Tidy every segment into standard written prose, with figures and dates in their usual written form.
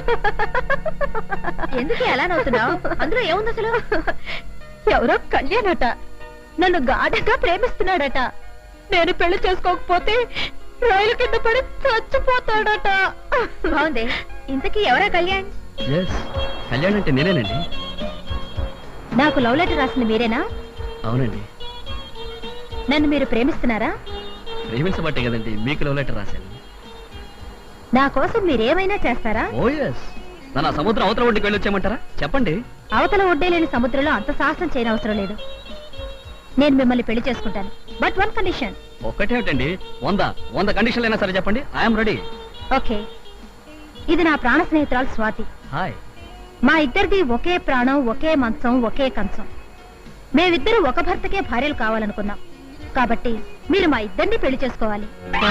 ఎందుకు ఎలా నవ్వుతున్నావు? అందులో ఏముంది అసలు? ఎవరో కళ్యాణట నన్ను గాఢంగా ప్రేమిస్తున్నాడట. నేను పెళ్లి చేసుకోకపోతే రైలు కింద పడి చచ్చిపోతాడట. బాగుంది. ఇంతకీ ఎవరా కళ్యాణ్? కళ్యాణ్ అంటే నేనేనండి. నాకు లవ్ లెటర్ రాసింది మీరేనా? అవునండి. నన్ను మీరు ప్రేమిస్తున్నారా? ప్రేమించబట్టే కదండి మీకు లవ్ లెటర్ రాశాను. నా కోసం మీరేమైనా చేస్తారా? Oh yes. నన్ను సముద్రం అవతల ఒడ్డుకి వెళ్ళొచ్చేయమంటారా? చెప్పండి. అవతల ఒడ్డే లేని సముద్రంలో అంత సాహసం చేయనవసరం లేదు. నేను మిమ్మల్ని పెళ్లి చేసుకుంటాను. But one condition. ఒక్కటేమిటండి? 100 కండిషన్లు అయినా సరే చెప్పండి. I'm ready. ఓకే. ఇది నా ప్రాణ స్నేహితురాలు స్వాతి. హాయ్. మా ఇద్దరిది ఒకే ప్రాణం, ఒకే మంచం, ఒకే కంచం. మేమిద్దరూ ఒక భర్తకే భార్యలు కావాలనుకున్నాం. కాబట్టి మీరు మా ఇద్దరిని పెళ్లి చేసుకోవాలి.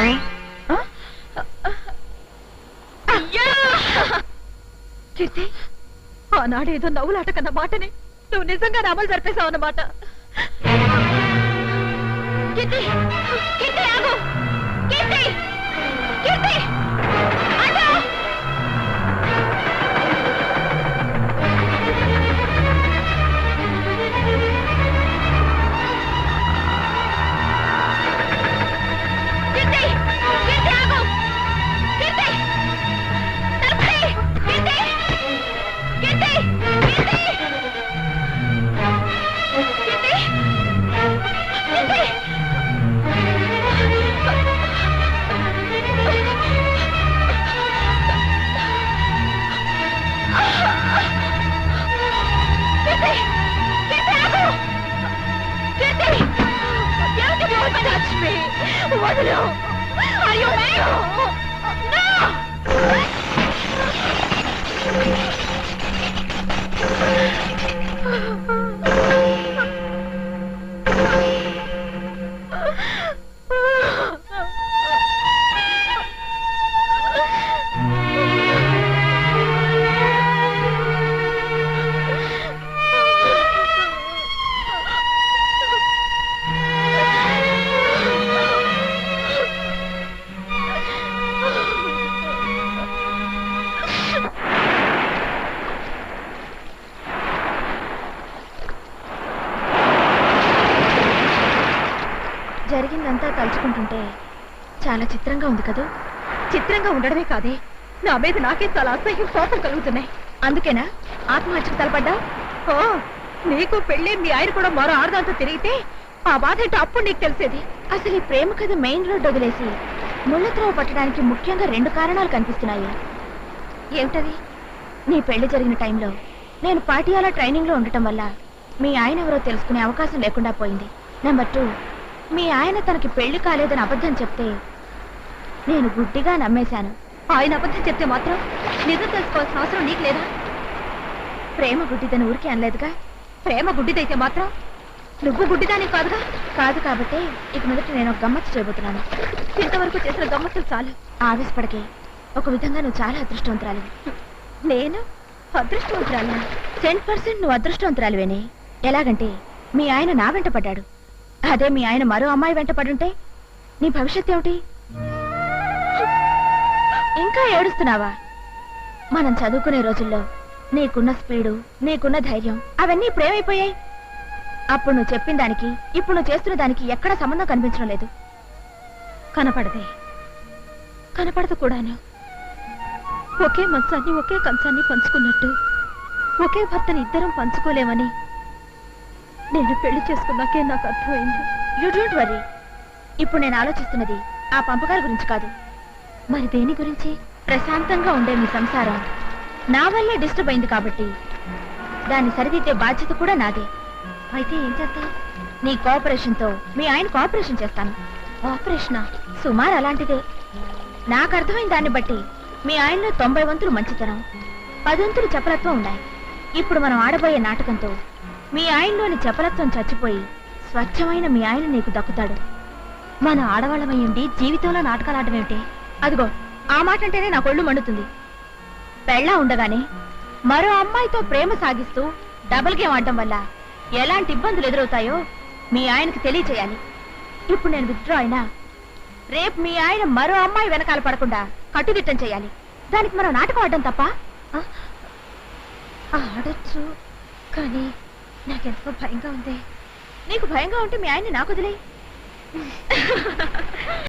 కీర్తి, ఆనాడేదో నవ్వులాట కన్న మాటని నువ్వు నిజంగా అమలు జరిపేశావు అన్నమాట. కీర్తి, కీర్తి ఆగు! కీర్తి, కీర్తి ఆగు! వదలు! అయ్యో జరిగిందంతా తలుచుకుంటుంటే చాలా చిత్రంగా ఉంది కదా. చిత్రంగా ఉండడమే కాదే, నా మీద నాకే చాలా అసహ్యం, కోపం కలుగుతున్నాయి. అందుకేనా ఆత్మహత్యకు తలపడ్డా? ఓ, నీకు పెళ్ళి మీ ఆయన కూడా మరో ఆడదాంతో తిరిగితే ఆ బాధ ఏంటో అప్పుడు నీకు తెలిసేది. అసలు ఈ ప్రేమ కథ మెయిన్ రోడ్ వదిలేసి ముళ్ళత్రవ పట్టడానికి ముఖ్యంగా 2 కారణాలు కనిపిస్తున్నాయి. ఏమిటది? నీ పెళ్లి జరిగిన టైంలో నేను పాటియాలా ట్రైనింగ్ లో ఉండటం వల్ల మీ ఆయన ఎవరో తెలుసుకునే అవకాశం లేకుండా పోయింది. నెంబర్ 2, మీ ఆయన తనకి పెళ్లి కాలేదని అబద్ధం చెప్తే నేను గుడ్డిగా నమ్మేశాను. ఆయన అబద్ధం చెప్తే మాత్రం నిజం తెలుసుకోవాల్సిన అవసరం నీకు లేదా? ప్రేమ గుడ్డిదని ఊరికే అనలేదుగా. ప్రేమ గుడ్డిదైతే మాత్రం నువ్వు గుడ్డిదాని కాదుగా. కాదు కాబట్టి ఇక మొదట నేను ఒక గమ్మత్తు చేయబోతున్నాను. ఇంతవరకు చేసిన గమ్మత్తులు చాలు. ఆవేశపడకే. ఒక విధంగా నువ్వు చాలా అదృష్టవంతురాలివి. నేను అదృష్టవంతురాలినా? 10% నువ్వు అదృష్టవంతురాలివేనే. ఎలాగంటే మీ ఆయన నా వెంట పడ్డాడు. అదే మీ ఆయన మరో అమ్మాయి వెంట పడుంటే నీ భవిష్యత్ ఏమిటి? ఇంకా ఏడుస్తున్నావా? మనం చదువుకునే రోజుల్లో నీకున్న స్పీడు, నీకున్న ధైర్యం అవన్నీ ఇప్పుడేమైపోయాయి? అప్పుడు నువ్వు చెప్పిన దానికి ఇప్పుడు నువ్వు చేస్తున్న దానికి ఎక్కడ సంబంధం కనిపించడం లేదు. కనపడదే, కనపడదు కూడాను. ఒకే మంచాన్ని, ఒకే కంచాన్ని పంచుకున్నట్టు ఒకే భర్తని ఇద్దరం పంచుకోలేమని నేను పెళ్లి చేసుకున్నాకే నాకు అర్థమైంది. You don't worry. ఇప్పుడు నేను ఆలోచిస్తున్నది ఆ పంపకాల గురించి కాదు. మరి దేని గురించి? ప్రశాంతంగా ఉండే మీ సంసారం నా వల్లే డిస్టర్బ్ అయింది కాబట్టి దాన్ని సరిదిద్దే బాధ్యత కూడా నాదే. అయితే ఏం చేస్తావు? నీ కోఆపరేషన్ తో మీ ఆయన కోఆపరేషన్ చేస్తాను. ఆపరేషనా? సుమారు అలాంటిదే. నాకు అర్థమైన దాన్ని బట్టి మీ ఆయనలో 90 వంతులు మంచితనం, 10 వంతులు చపలత్వం ఉన్నాయి. ఇప్పుడు మనం ఆడబోయే నాటకంతో మీ ఆయనలోని చపలత్వం చచ్చిపోయి స్వచ్ఛమైన మీ ఆయన నీకు దక్కుతాడు. మన ఆడవాళ్ళమయ్యండి జీవితంలో నాటకాలు ఆడడం ఏమిటి? అదిగో ఆ మాట అంటేనే నా కొళ్ళు మండుతుంది. పెళ్ళా ఉండగానే మరో అమ్మాయితో ప్రేమ సాగిస్తూ డబుల్ గేమ్ ఆడటం వల్ల ఎలాంటి ఇబ్బందులు ఎదురవుతాయో మీ ఆయనకి తెలియచేయాలి. ఇప్పుడు నేను విత్డ్రా అయినా రేపు మీ ఆయన మరో అమ్మాయి వెనకాల పడకుండా కట్టుదిట్టం చేయాలి. దానికి మనం నాటకం ఆడడం తప్ప? ఆడొచ్చు, కానీ నాకెంతో భయంగా ఉంది. నీకు భయంగా ఉంటే మీ ఆయన్ని నాకు వదిలే.